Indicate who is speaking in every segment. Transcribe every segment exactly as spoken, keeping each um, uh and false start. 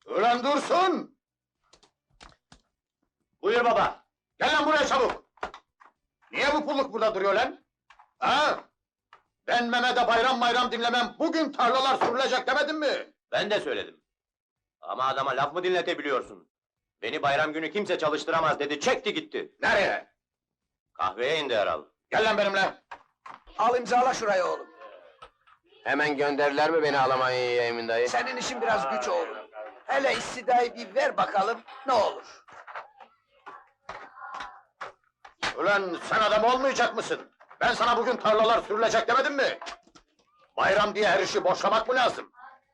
Speaker 1: Ulan Dursun!
Speaker 2: Buyur baba.
Speaker 1: Gel lan buraya çabuk! Niye bu pulluk burada duruyor lan? Ha? Ben Mehmet'e bayram bayram dinlemem, bugün tarlalar sürülecek demedim mi?
Speaker 2: Ben de söyledim. Ama adama laf mı dinletebiliyorsun? Beni bayram günü kimse çalıştıramaz dedi, çekti gitti.
Speaker 1: Nereye?
Speaker 2: Kahveye indi herhal.
Speaker 1: Gel lan benimle!
Speaker 3: Al imzala şurayı oğlum.
Speaker 4: Hemen gönderdiler mi beni Almanya'ya Emin dayı?
Speaker 3: Senin işin biraz güç oğlum. Hele istidayı bir ver bakalım ne olur.
Speaker 1: Ulan sen adam olmayacak mısın? Ben sana bugün tarlalar sürülecek demedim mi? Bayram diye her işi boşlamak mı lazım?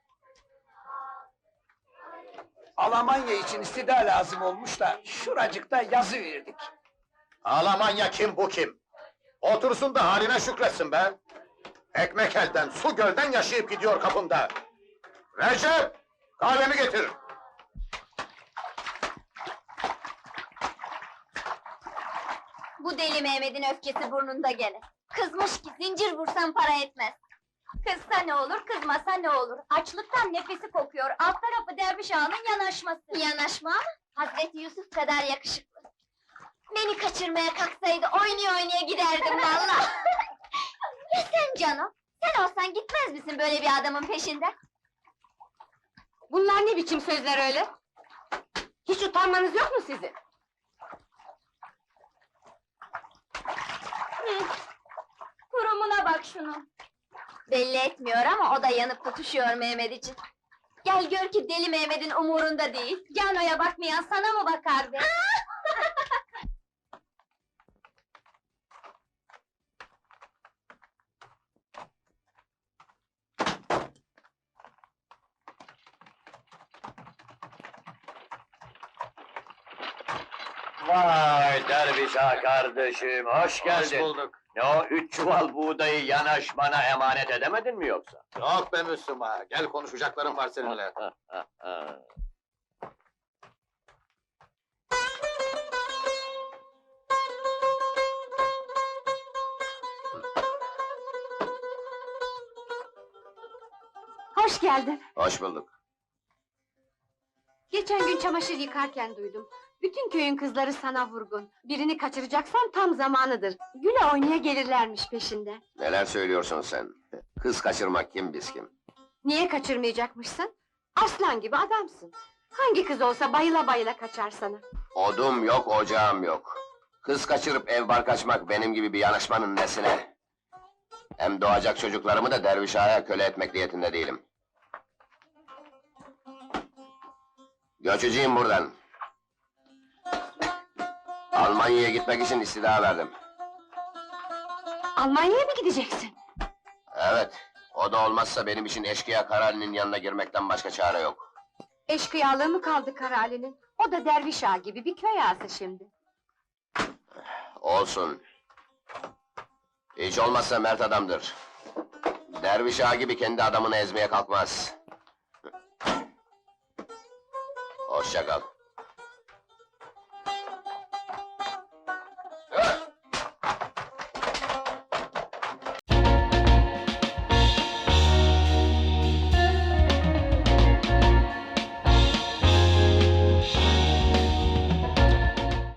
Speaker 3: Almanya için istida lazım olmuş da şuracıkta yazı verdik.
Speaker 1: Almanya kim bu kim? Otursun da haline şükretsin be! Ekmek elden, su gölden yaşayıp gidiyor kapımda! Recep! Kahvemi getir!
Speaker 5: Bu deli Mehmet'in öfkesi burnunda gene. Kızmış ki zincir vursam para etmez. Kızsa ne olur, kızmasa ne olur? Açlıktan nefesi kokuyor, alt tarafı derviş ağanın yanaşması. Yanaşma mı? Hazreti Yusuf kadar yakışıklı. Beni kaçırmaya kalksaydı oynaya oynaya giderdim vallahi. Ya sen canım? Sen olsan gitmez misin böyle bir adamın peşinden?
Speaker 6: Bunlar ne biçim sözler öyle? Hiç utanmanız yok mu sizin?
Speaker 5: Hı. Kurumuna bak şunu. Belli etmiyor ama o da yanıp tutuşuyor Mehmet için. Gel gör ki deli Mehmet'in umurunda değil. Cano'ya bakmayan sana mı bakar be?
Speaker 4: Vay derviş ağa kardeşim, hoş geldin.
Speaker 1: bulduk.
Speaker 4: Ne o, üç çuval buğdayı yanaşmana emanet edemedin mi yoksa?
Speaker 1: Yok be Müslüman, gel konuşacaklarım var seninle.
Speaker 6: Hoş geldin.
Speaker 4: Hoş bulduk.
Speaker 6: Geçen gün çamaşır yıkarken duydum. Bütün köyün kızları sana vurgun. Birini kaçıracaksan tam zamanıdır. Güle oynaya gelirlermiş peşinde.
Speaker 4: Neler söylüyorsun sen? Kız kaçırmak kim biz kim?
Speaker 6: Niye kaçırmayacakmışsın? Aslan gibi adamsın. Hangi kız olsa bayıla bayıla kaçar sana.
Speaker 4: Odum yok, ocağım yok. Kız kaçırıp ev bar kaçmak benim gibi bir yanaşmanın nesine? Hem doğacak çocuklarımı da derviş ağaya köle etmek niyetinde değilim. Göçeceğim buradan. Almanya'ya gitmek için istida verdim.
Speaker 6: Almanya'ya mı gideceksin?
Speaker 4: Evet, o da olmazsa benim için eşkıya Karali'nin yanına girmekten başka çare yok.
Speaker 6: Eşkıyalığı mı kaldı Karali'nin? O da derviş ağa gibi bir köy ağası şimdi.
Speaker 4: Olsun. Hiç olmazsa mert adamdır. Derviş ağa gibi kendi adamını ezmeye kalkmaz. Hoşça kal.